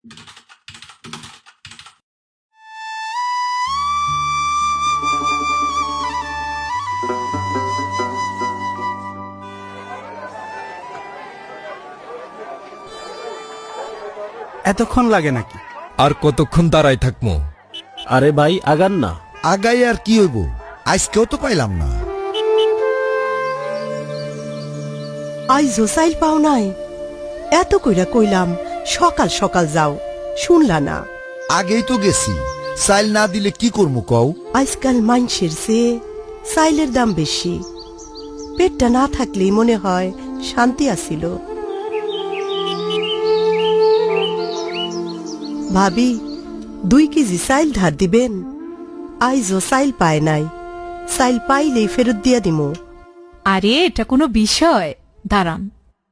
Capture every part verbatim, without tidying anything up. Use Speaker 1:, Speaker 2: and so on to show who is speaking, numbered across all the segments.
Speaker 1: এতক্ষণ লাগে নাকি?
Speaker 2: আর কতক্ষণ দাঁড়াই থাকবো?
Speaker 3: আরে ভাই আগান না।
Speaker 4: আগাই আর কি হইব, আজকেও তো পাইলাম না।
Speaker 5: আইজো চাইল পাও নাই? এত কইরা কইলাম সকাল সকাল যাও, শুনলা না।
Speaker 4: আগেই তো গেছি, চাইল না দিলে কি করবো কও?
Speaker 5: আজকাল মাইনষের চেয়ে চাইলের দাম বেশি। পেটটা না থাকলেই মনে হয় শান্তি আসিল। ভাবি, দুই কেজি চাইল ধার দিবেন? আইজো চাইল পায় নাই, চাইল পাইলেই ফেরত দিয়া দিমু।
Speaker 6: আরে এটা কোনো বিষয়, দাঁড়ান।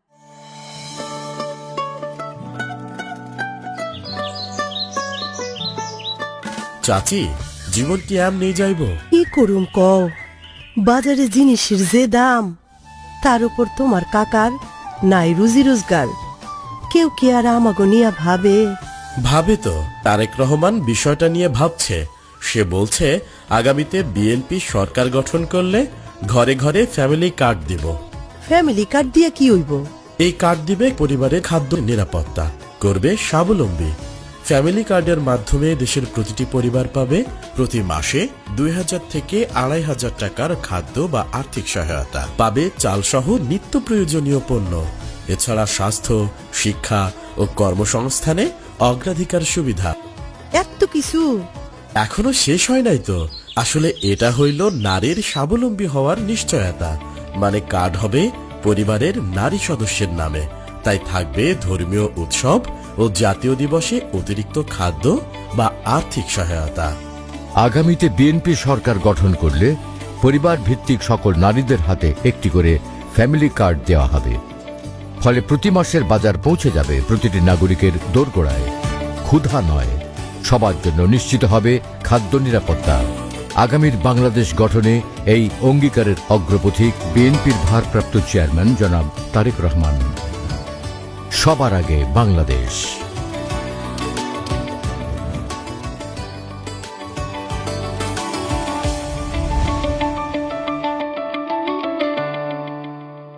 Speaker 3: চাচি, জীবন কি এম নেই যাইব?
Speaker 5: কি করুম কও, বাজারে জিনিসের যে দাম, তার উপর তোমার কাকার নাই রুজি রোজগার। কেউ কি আর আমাগো নিয়া ভাবে?
Speaker 3: ভাবে তো। তারেক রহমান বিষয়টা নিয়ে ভাবছে। সে বলছে আগামীতে বিএনপি সরকার গঠন করলে ঘরে ঘরে ফ্যামিলি কার্ড দিব।
Speaker 5: ফ্যামিলি কার্ড দিয়া কি হইব?
Speaker 3: এই কার্ড দিবে পরিবারের খাদ্য নিরাপত্তা, করবে স্বাবলম্বী। ফ্যামিলি কার্ডের মাধ্যমে দেশের প্রতিটি পরিবার পাবে প্রতি মাসে দুই হাজার থেকে আড়াই হাজার টাকার খাদ্য বা আর্থিক সহায়তা, পাবে চালসহ নিত্য প্রয়োজনীয় পণ্য। এছাড়া স্বাস্থ্য, শিক্ষা ও কর্মসংস্থানে অগ্রাধিকার সুবিধা।
Speaker 5: এত কিছু
Speaker 3: এখনো শেষ হয় নাই তো। আসলে এটা হইল নারীর স্বাবলম্বী হওয়ার নিশ্চয়তা। মানে কার্ড হবে পরিবারের নারী সদস্যের নামে, তাই থাকবে ধর্মীয় উৎসব ও জাতীয় দিবসে অতিরিক্ত খাদ্য বা আর্থিক সহায়তা।
Speaker 7: আগামীতে বিএনপি সরকার গঠন করলে পরিবার ভিত্তিক সকল নারীদের হাতে একটি করে ফ্যামিলি কার্ড দেওয়া হবে। ফলে প্রতি মাসের বাজার পৌঁছে যাবে প্রতিটি নাগরিকের দোরগোড়ায়। ক্ষুধা নয়, সবার জন্য নিশ্চিত হবে খাদ্য নিরাপত্তা। আগামীর বাংলাদেশ গঠনে এই অঙ্গীকারের অগ্রপথিক বিএনপির ভারপ্রাপ্ত চেয়ারম্যান জনাব তারেক রহমান। সবার আগে বাংলাদেশ।